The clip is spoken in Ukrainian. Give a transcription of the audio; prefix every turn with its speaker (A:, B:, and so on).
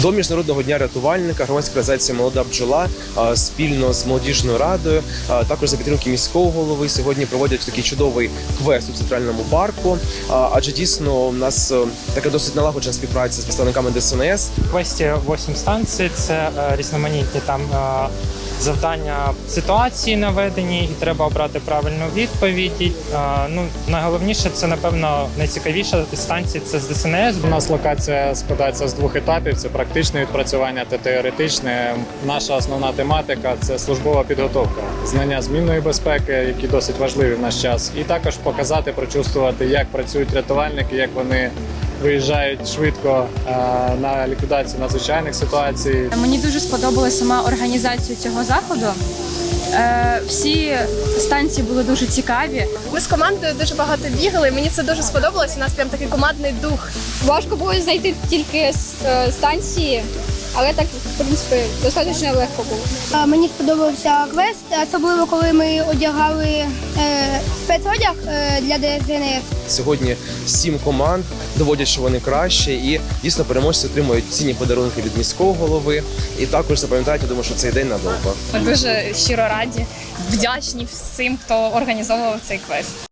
A: До Міжнародного дня рятувальника громадська організація «Молода бджола» спільно з молодіжною радою, також за підтримки міського голови, сьогодні проводять такий чудовий квест у Центральному парку. Адже дійсно у нас така досить налагоджена співпраця з представниками ДСНС.
B: В квесті 8 станцій, це різноманітні там завдання ситуації наведені, і треба обрати правильну відповідь. Найголовніше, це, напевно, найцікавіша станція – це з ДСНС.
C: У нас локація складається з двох етапів. Це практичне відпрацювання та теоретичне. Наша основна тематика – це службова підготовка, знання змінної безпеки, які досить важливі в наш час. І також показати, прочувствувати, як працюють рятувальники, як вони виїжджають швидко на ліквідацію надзвичайних ситуацій.
D: Мені дуже сподобалася сама організація цього заходу. Всі станції були дуже цікаві.
E: Ми з командою дуже багато бігали, мені це дуже сподобалось, у нас прям такий командний дух.
F: Важко було знайти тільки станції, але так, в принципі, достатньо легко було.
G: Мені сподобався квест, особливо коли ми одягали спецодяг для ДСНС.
A: Сьогодні 7 команд доводять, що вони краще, і дійсно переможці отримують цінні подарунки від міського голови. І також запам'ятайте, думаю, що цей день надовго.
H: Ми дуже щиро раді, вдячні всім, хто організовував цей квест.